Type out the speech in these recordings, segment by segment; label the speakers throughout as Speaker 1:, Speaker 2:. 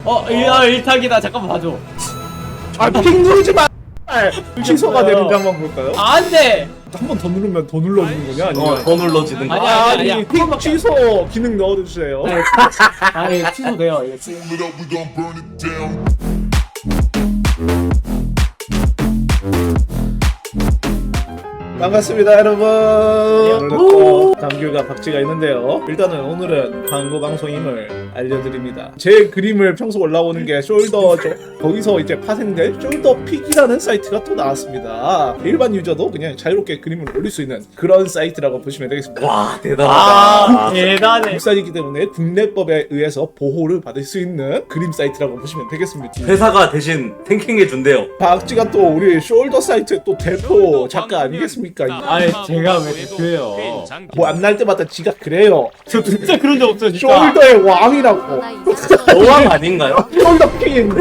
Speaker 1: 일탁이다. 잠깐만 봐줘.
Speaker 2: 핑 누르지 마. 취소가 되는지 한번 볼까요?
Speaker 1: 안 돼.
Speaker 2: 한 번 더 누르면 더 눌러주는 거냐? 아니면
Speaker 3: 더 눌러지는 거.
Speaker 1: 아니야.
Speaker 2: 핑 취소 기능 넣어주세요.
Speaker 1: 아니 취소돼요. 이거
Speaker 2: 반갑습니다 여러분. 오늘도 감귤과 박쥐가 있는데요. 일단은 오늘은 광고 방송임을 알려드립니다. 제 그림을 평소 올라오는 게 숄더죠. 거기서 이제 파생된 숄더픽이라는 사이트가 또 나왔습니다. 일반 유저도 그냥 자유롭게 그림을 올릴 수 있는 그런 사이트라고 보시면 되겠습니다.
Speaker 3: 와 대단하다.
Speaker 1: 대단해.
Speaker 2: 국산이기 때문에 국내법에 의해서 보호를 받을 수 있는 그림 사이트라고 보시면 되겠습니다.
Speaker 3: 회사가 대신 탱킹해 준대요.
Speaker 2: 박쥐가 또 우리 숄더 사이트 또 대표 작가 아니겠습니까?
Speaker 1: 아니 제가 왜 대표예요?
Speaker 2: 뭐 안 날 때마다 지가 그래요.
Speaker 1: 저 진짜 그런 적 없어요. 진짜.
Speaker 2: 숄더의 왕이라고.
Speaker 3: 여왕 아닌가요?
Speaker 2: 숄더 퀸.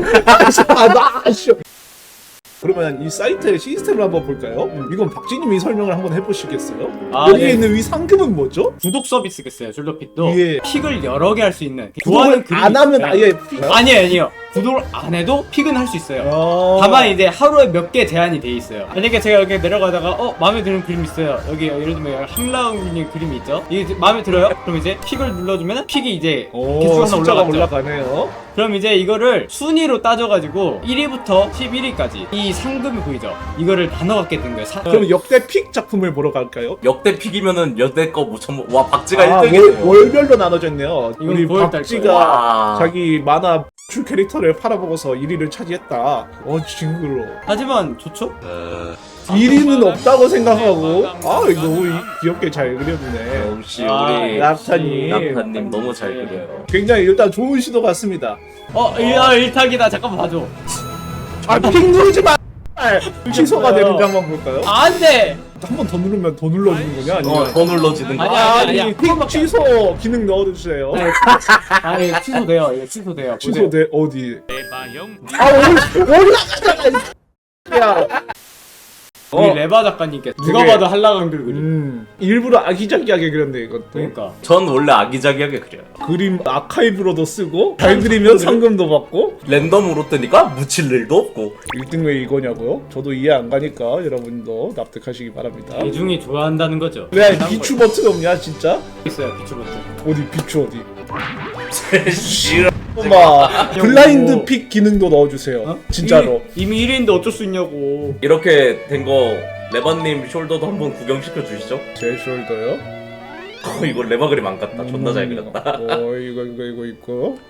Speaker 2: 그러면 이 사이트의 시스템을 한번 볼까요? 이건 박쥐님이 설명을 한번 해보시겠어요? 여기에
Speaker 1: 네.
Speaker 2: 있는 이 상금은 뭐죠?
Speaker 1: 구독 서비스가 있어요. 숄더픽도
Speaker 2: 예.
Speaker 1: 픽을 여러 개 할 수 있는.
Speaker 2: 구독을
Speaker 1: 그림이
Speaker 2: 안 하면
Speaker 1: 있어요.
Speaker 2: 아예
Speaker 1: 아니에요. 구독을 안 해도 픽은 할 수 있어요.
Speaker 2: 어...
Speaker 1: 다만 이제 하루에 몇 개 제한이 돼 있어요. 만약에 제가 이렇게 내려가다가 마음에 드는 그림 있어요. 여기 예를 들면 한라운님 그림이 있죠. 이게 마음에 들어요? 그럼 이제 픽을 눌러주면 픽이 이제 개수가 하나
Speaker 2: 숫자가
Speaker 1: 올라갔죠.
Speaker 2: 올라가네요.
Speaker 1: 그럼 이제 이거를 순위로 따져가지고 1위부터 11위까지 이 상금이 보이죠? 이거를 나눠갖게 된 거예요.
Speaker 2: 그럼 역대 픽 작품을 보러 갈까요?
Speaker 3: 역대 픽이면은 여태 거 뭐 전부 와 박쥐가
Speaker 2: 아,
Speaker 3: 1등이네요.
Speaker 2: 월별로 나눠져 있네요.
Speaker 1: 이건
Speaker 2: 우리
Speaker 1: 9월 달
Speaker 2: 박쥐가
Speaker 3: 와.
Speaker 2: 자기 만화 출 캐릭터를 팔아먹어서 1위를 차지했다. 징그러.
Speaker 1: 하지만 좋죠?
Speaker 2: 1위는 없다고 생각하고 이거 너무 귀엽게 잘 그려주네.
Speaker 3: 역시
Speaker 1: 아,
Speaker 3: 우리
Speaker 2: 낙타님.
Speaker 3: 낙타님 너무 잘 그려요.
Speaker 2: 굉장히 일단 좋은 시도 같습니다.
Speaker 1: 일탁이다. 잠깐만 봐줘.
Speaker 2: 핑 누르지 마. 취소가 되는지 한번 볼까요?
Speaker 1: 안 돼.
Speaker 2: 한 번 더 누르면 더 눌러주는 거냐? 아니면
Speaker 3: 더 눌러지는 거.
Speaker 1: 아니야.
Speaker 2: 핑 취소 기능 넣어주세요.
Speaker 1: 아니 취소돼요. 이거 취소돼요.
Speaker 2: 취소돼 어디?
Speaker 1: 레바형.
Speaker 2: 올라가잖아. 야.
Speaker 1: 우리 레바 작가님께 누가 봐도 한라강들 그림.
Speaker 2: 일부러 아기자기하게 그렸네 이것도.
Speaker 1: 그러니까.
Speaker 3: 전 원래 아기자기하게 그려요.
Speaker 2: 그림 아카이브로도 쓰고 잘 그리면 상금도 받고
Speaker 3: 랜덤으로 뜨니까 묻힐 일도 없고.
Speaker 2: 1등 왜 이거냐고요? 저도 이해 안 가니까 여러분도 납득하시기 바랍니다.
Speaker 1: 대중이 좋아한다는 거죠.
Speaker 2: 왜 비추 버튼 없냐 진짜?
Speaker 1: 있어요. 비추 버튼.
Speaker 2: 어디 비추 어디?
Speaker 3: 싫어.
Speaker 2: 엄마 블라인드 픽 기능도 넣어주세요. 진짜로.
Speaker 1: 이미 1위인데 어쩔 수 있냐고.
Speaker 3: 이렇게 된 거 레바님 숄더도 한번 구경시켜 주시죠.
Speaker 2: 제 숄더요?
Speaker 3: 이거 레바 그림 안 같다. 존나 잘 그렸다.
Speaker 2: 이거 있고.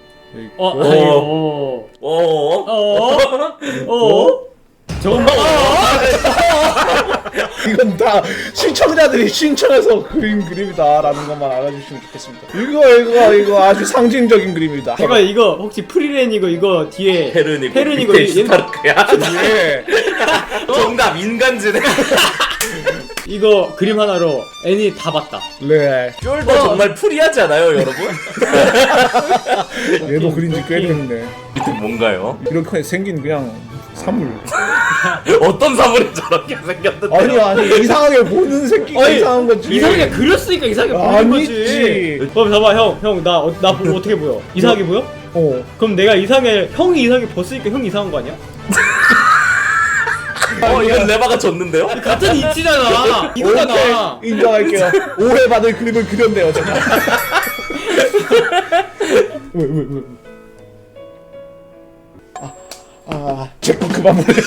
Speaker 1: 저건
Speaker 2: 이건 다 시청자들이 신청해서 그린 그림이다라는 것만 알아주시면 좋겠습니다. 이거 아주 상징적인 그림이다.
Speaker 1: 제가 이거 혹시 프리랜 이거 뒤에
Speaker 3: 페르니고
Speaker 1: 페르니고
Speaker 3: 밑에 스타르크야.
Speaker 2: 예.
Speaker 3: 정답 인간지네.
Speaker 1: 이거 그림 하나로 애니 다 봤다.
Speaker 2: 네.
Speaker 3: 숄더 정말 프리하지 않아요, 여러분?
Speaker 2: 얘도 그린 지 꽤 됐네.
Speaker 3: 밑에 뭔가요?
Speaker 2: 이렇게 생긴 그냥 사물.
Speaker 3: 어떤 사물이 저렇게 생겼는데?
Speaker 2: 아니 이상하게 보는 새끼가 이상한 거지.
Speaker 1: 이상하게 그렸으니까 이상하게 보이는 거지. 그럼 봐봐 형 나 보고 어떻게 보여? 이상하게 보여? 그럼 내가 형이 이상하게 벗으니까 형이 이상한 거 아니야?
Speaker 3: 이건 레바가 졌는데요?
Speaker 1: 같은 이치잖아. 이거잖아.
Speaker 2: 오케이, 인정할게요. 오해받을 그림을 그렸네요 제가. 왜? 제거 그만 보내요.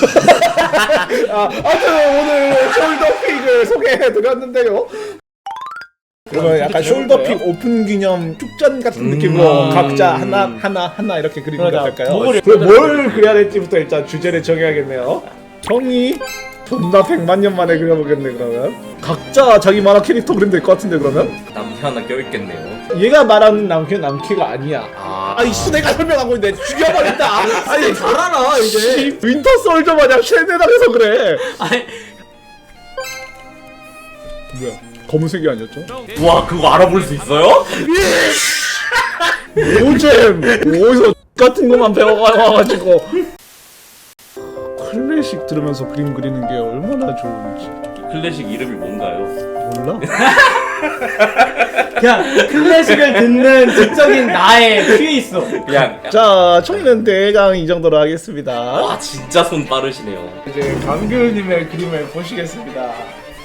Speaker 2: 아무튼 오늘 숄더픽을 소개해드렸는데요. 그러면 약간 숄더픽 오픈 기념 축전 같은 느낌으로 각자 하나 이렇게 그리는 거 어떨까요? 그럼 뭘 그려야 될지부터 일단 주제를 정해야겠네요. 형이 존나 100만 년 만에 그려보겠네 그러면. 각자 자기 만화 캐릭터 그리면 될 것 같은데 그러면?
Speaker 3: 남캐 하나 껴있겠네요.
Speaker 2: 얘가 말하는 남캐가 아니야. 이씨 내가 설명하고 있는데 죽여버린다. 아니
Speaker 1: 잘 알아 이제.
Speaker 2: 윈터 솔저 마냥 쉐네당해서 그래.
Speaker 1: 아니
Speaker 2: 뭐야? 검은색이 아니었죠?
Speaker 3: 와 그거 알아볼 수 있어요?
Speaker 2: 노잼 어디서 같은 것만 배워가지고 클래식 들으면서 그림 그리는 게 얼마나 좋은지
Speaker 3: 클래식 이름이 뭔가요?
Speaker 2: 몰라?
Speaker 1: 그냥 클래식을 듣는 지적인 나의 귀에 있어.
Speaker 3: 그냥
Speaker 2: 자, 총리는 대강 이 정도로 하겠습니다.
Speaker 3: 와 진짜 손 빠르시네요.
Speaker 2: 이제 강규님의 그림을 보시겠습니다.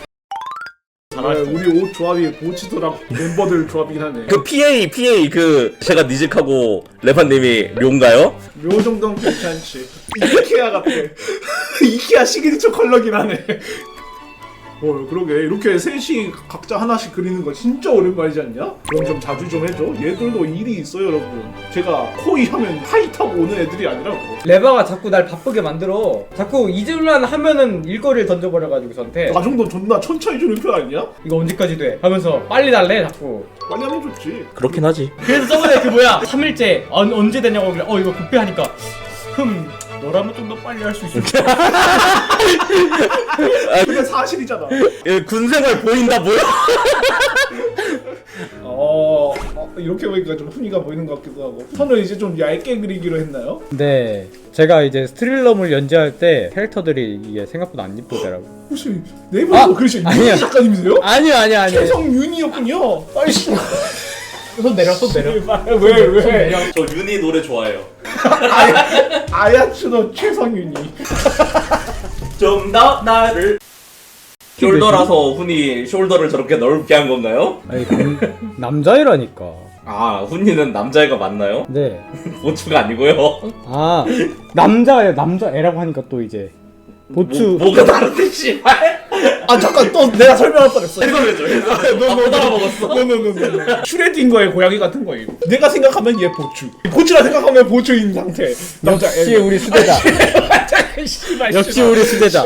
Speaker 2: 우리 옷 조합이 보치도랑 멤버들 조합이긴 하네.
Speaker 3: 그 PA 그 제가 니직하고 레반님이 묘인가요?
Speaker 2: 요 정도는 괜찮지. 이케아 같아. 이케아 시그니처 컬러긴 하네. 그러게 이렇게 셋이 각자 하나씩 그리는 거 진짜 오랜만이지 않냐? 그럼 좀 자주 좀 해줘. 얘들도 일이 있어요, 여러분. 제가 코이 하면 하이 타고 오는 애들이 아니라고.
Speaker 1: 레바가 자꾸 날 바쁘게 만들어. 자꾸 잊을만 하면은 일거리를 던져버려가지고 저한테
Speaker 2: 나 정도 존나 천천히 주는 편 아니야?
Speaker 1: 이거 언제까지 돼? 하면서 빨리 달래 자꾸.
Speaker 2: 빨리 하면 좋지.
Speaker 3: 그렇긴 하지.
Speaker 1: 그래서 저번에 그 뭐야 3일째 언제 되냐고 그래. 이거 급해 하니까 너라면 좀 더 빨리 할 수 있을 것 같아.
Speaker 2: 그게 사실이잖아.
Speaker 3: 군생활 보인다 뭐야?
Speaker 2: 이렇게 보니까 좀 훈이가 보이는 것 같기도 하고. 선을 이제 좀 얇게 그리기로 했나요?
Speaker 1: 네, 제가 이제 스트릴럼을 연재할 때 캐릭터들이 이게 생각보다 안 이쁘더라고.
Speaker 2: 혹시 네이버에서 그러시
Speaker 1: 아니야.
Speaker 2: 윤희 작가님이세요?
Speaker 1: 아니요.
Speaker 2: 최성윤이었군요. 아이씨.
Speaker 1: 손 내려.
Speaker 2: 왜?
Speaker 3: 저 윤희 노래 좋아해요.
Speaker 2: 아야츠노 최성윤이.
Speaker 3: 좀 더 나를 숄더라서 훈이 숄더를 저렇게 넓게 한 건가요?
Speaker 1: 아니 남자애라니까.
Speaker 3: 아 훈이는 남자애가 맞나요?
Speaker 1: 네.
Speaker 3: 보추가 아니고요.
Speaker 1: 아 남자애라고 하니까 또 이제 보추.
Speaker 3: 뭐가 다른데 씨발.
Speaker 2: 아 잠깐 또 내가 설명할 뻔했어.
Speaker 3: 해설해줘. 너 먹었어.
Speaker 2: 노. 슈레딩거의 고양이 같은 거예요. 내가 생각하면 얘 보추. 보추라 생각하면 보추인 상태. 남자
Speaker 1: 역시 우리 수제자. 역시 우리 수제자.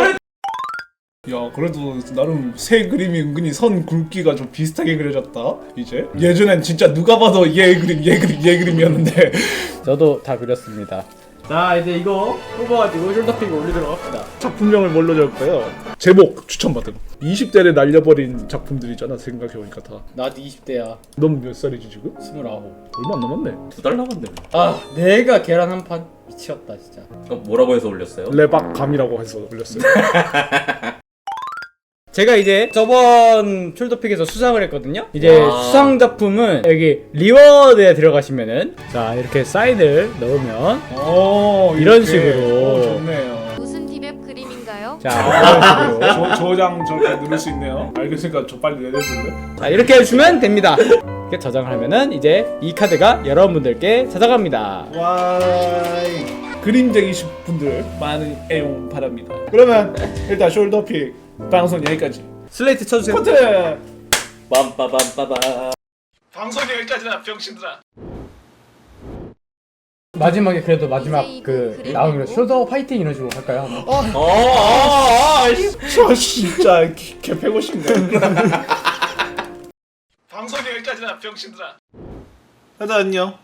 Speaker 2: 야 그래도 나름 새 그림이 은근히 선 굵기가 좀 비슷하게 그려졌다. 이제 예전엔 진짜 누가 봐도 얘 그림이었는데.
Speaker 1: 저도 다 그렸습니다. 자 이제 이거 뽑아가지고 숄더픽 올리도록 합시다.
Speaker 2: 작품명을 뭘로 적을까요? 제목 추천받음. 20대를 날려버린 작품들이잖아 생각해보니까 다.
Speaker 1: 나도 20대야.
Speaker 2: 넌 몇 살이지 지금?
Speaker 1: 29.
Speaker 2: 얼마 안 남았네.
Speaker 3: 2달 남았네.
Speaker 1: 아 내가 계란 한 판 미치겠다 진짜.
Speaker 3: 뭐라고 해서 올렸어요?
Speaker 2: 레박감이라고 해서 올렸어요.
Speaker 1: 제가 이제 저번 숄더픽에서 수상을 했거든요. 이제
Speaker 3: 와.
Speaker 1: 수상 작품은 여기 리워드에 들어가시면은 자 이렇게 사인을 넣으면 이런 식으로.
Speaker 2: 좋네요.
Speaker 4: 무슨 디맵 그림인가요?
Speaker 1: 자 이런 식으로
Speaker 2: 저장 저렇게 누를 수 있네요. 알겠으니까 저 빨리 내려줄래?
Speaker 1: 자 이렇게 해주면 됩니다. 이렇게 저장을 하면은 이제 이 카드가 여러분들께 찾아갑니다.
Speaker 2: 와이. 그림쟁이신 분들 많은 애용 바랍니다. 그러면 일단 숄더픽 방송 여기까지.
Speaker 1: 슬레이트 쳐주세요.
Speaker 2: 코트.
Speaker 3: 빰빠밤빠밤.
Speaker 2: 방송 여기까지나 병신들아.
Speaker 1: 마지막에 그래도 마지막
Speaker 4: 이제
Speaker 1: 그
Speaker 4: 이거
Speaker 1: 나오는
Speaker 4: 그리고?
Speaker 1: 숄더 파이팅 이런 식으로 할까요? 한번?
Speaker 2: 저 진짜 개 패고 싶네. 방송 여기까지나 병신들아. 하자 안녕.